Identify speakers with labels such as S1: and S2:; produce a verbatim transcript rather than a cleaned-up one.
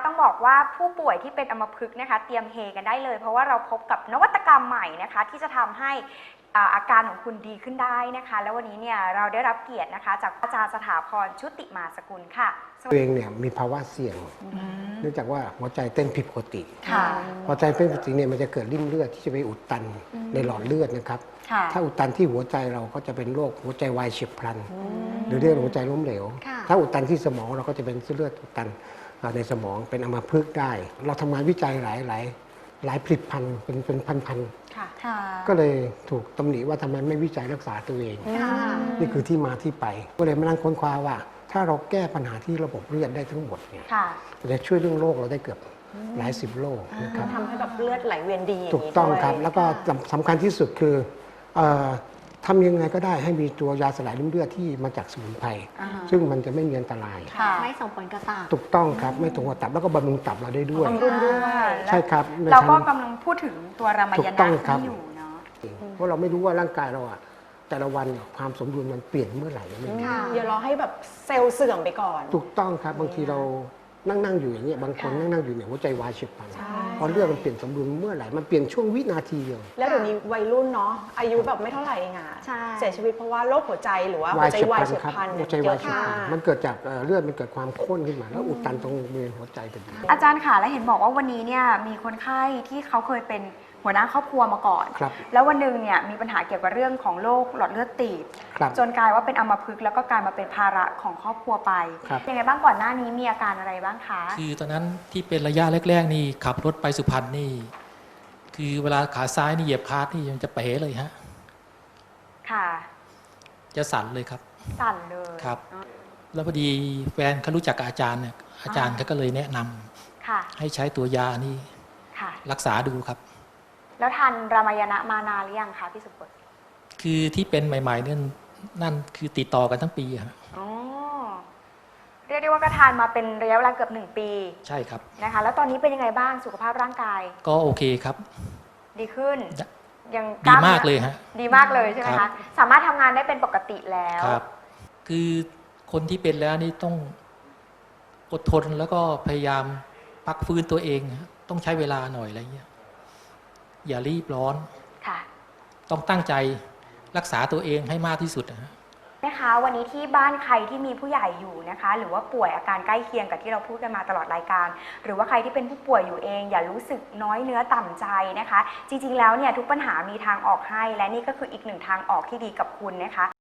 S1: ต้องบอกว่าผู้ป่วยที่เป็นอัมพฤกษ์นะคะเตรียมเฮกันได้เลยเพราะว่าเราพบกับนวัตกรรมใหม่นะคะที่จะทำให้อาการของคุณดีขึ้นได้นะคะแล้ววันนี้เนี่ยเราได้รับเกียรตินะคะจากอาจารย์สถาพรชุติมาสกุลค่ะ
S2: ตัวเองเนี่ยมีภาวะเสี่ยงเนื่องจากว่าหัวใจเต้นผิดปกติหัวใจเต้นผิดปกติเนี่ยมันจะเกิดริ่มเลือดที่จะไปอุดตันในหลอดเลือดนะครับถ้าอุดตันที่หัวใจเราก็จะเป็นโรคหัวใจวายเฉียบพลันหรือเรียกหัวใจล้มเหลวถ้าอุดตันที่สมองเราก็จะเป็นเส้นเลือดอุดตันในสมองเป็นอัมพฤกษ์ได้เราทำงานวิจัยหลายหลายหลายผลิตภัณฑ์เป็นเป็นพันๆก็เลยถูกตำหนิว่าทำไมไม่วิจัยรักษาตัวเองนี่คือที่มาที่ไปก็เลยมานั่งค้นคว้าว่าถ้าเราแก้ปัญหาที่ระบบเลือดได้ทั้งหมดเนี่ยจะช่วยเรื่องโรคเราได้เกือบหลายสิบโรคนะครับ
S3: ทำให้แบบเลือดไหลเวียนดี
S2: ถูกต้องครับแล้วก็สำคัญที่สุดคือทำยังไงก็ได้ให้มีตัวยาสลายริ่มเลือดที่มาจากสมุนไพรซึ่งมันจะไม่มีอันตราย
S4: ไม่ส่งผลกระตับ
S2: ถูกต้องครับไม่ส่งผลกระตับแล้วก็บำรุงตับเราได้ด้วย
S1: บำรุงด้วย
S2: ใช่ครับ
S1: เราก็กำลังพูดถึงตัวรามายณะที่อยู่เนาะ
S2: เพราะเราไม่รู้ว่าร่างกายเราอะแต่ละวันความสมดุลมันเปลี่ยนเมื่อไหร่ไม่รู้
S3: อย่ารอให้แบบเซลล์เสื่อมไปก่อน
S2: ถูกต้องครับบางทีเรานั่งนั่งอยู่อย่างเงี้ยบางคนนั่งนั่งอยู่เนี่ยหัวใจวายเฉียบพลันพอเลือดมันเปลี่ยนสมดุลเมื่อไหร่มันเปลี่ยนช่วงวินาทีเดียว
S3: แล้วเดี๋ยวนี้วัยรุ่นเนาะอายุแบบไม่เท่าไหร่เองอะเสียชีวิตเพราะว่าโรคหัวใจหรือว่าหัวใจวายเฉียบพลัน
S2: หัวใจวายเฉียบพลันมันเกิดจากเลือดมันเกิดความข้นขึ้นมาแล้วอุดตันตรงบริเวณหัวใจพอดี
S1: อาจารย์ค่ะและเห็นบอกว่าวันนี้เนี่ยมีคนไข้ที่เขาเคยเป็นหัวหน้าครอบครัวมาก่อนแล้ววันหนึ่งเนี่ยมีปัญหาเกี่ยวกับเรื่องของโรคหลอดเลือดตีบจนกลายว่าเป็นอัมพฤกษ์แล้วก็กลายมาเป็นภาระของครอบครัวไปยังไงบ้างก่อนหน้านี้มีอาการอะไรบ้างคะ
S5: คือตอนนั้นที่เป็นระยะแรกๆนี่ขับรถไปสุพรรณนี่คือเวลาขาซ้ายนี่เหยียบคาร์ทนี่มันจะเป๋เลยฮะ
S1: ค่ะ
S5: จะสั่นเลยครับ
S1: สั่นเลย
S5: ครับแล้วพอดีแฟนเขารู้จักกับอาจารย์เนี่ยอาจารย์เขาก็เลยแนะนำให้ใช้ตัวยานี่รักษาดูครับ
S1: แล้วทานรามายณะมานานหรือยังคะพี่สุพจน์
S5: คือที่เป็นใหม่ๆนั่นนั่นคือติดต่อกันทั้งปีครับ
S1: อ๋อเรียกได้ว่าก็ทานมาเป็นระยะเวลาเกือบหนึ่งปี
S5: ใช่ครับ
S1: นะคะแล้วตอนนี้เป็นยังไงบ้างสุขภาพร่างกาย
S5: ก็โอเคครับ
S1: ดีขึ้น
S5: ยังดีมากเลยฮะ
S1: ดีมากเลยใช่ไหมคะสามารถทำงานได้เป็นปกติแล้ว
S5: ครับคือคนที่เป็นแล้วนี่ต้องอดทนแล้วก็พยายามพักฟื้นตัวเองต้องใช้เวลาหน่อยอะไรเงี้ยอย่ารีบร้อนต้องตั้งใจรักษาตัวเองให้มากที่สุด
S1: นะคะวันนี้ที่บ้านใครที่มีผู้ใหญ่อยู่นะคะหรือว่าป่วยอาการใกล้เคียงกับที่เราพูดกันมาตลอดรายการหรือว่าใครที่เป็นผู้ป่วยอยู่เองอย่ารู้สึกน้อยเนื้อต่ำใจนะคะจริงๆแล้วเนี่ยทุกปัญหามีทางออกให้และนี่ก็คืออีกหนึ่งทางออกที่ดีกับคุณนะคะ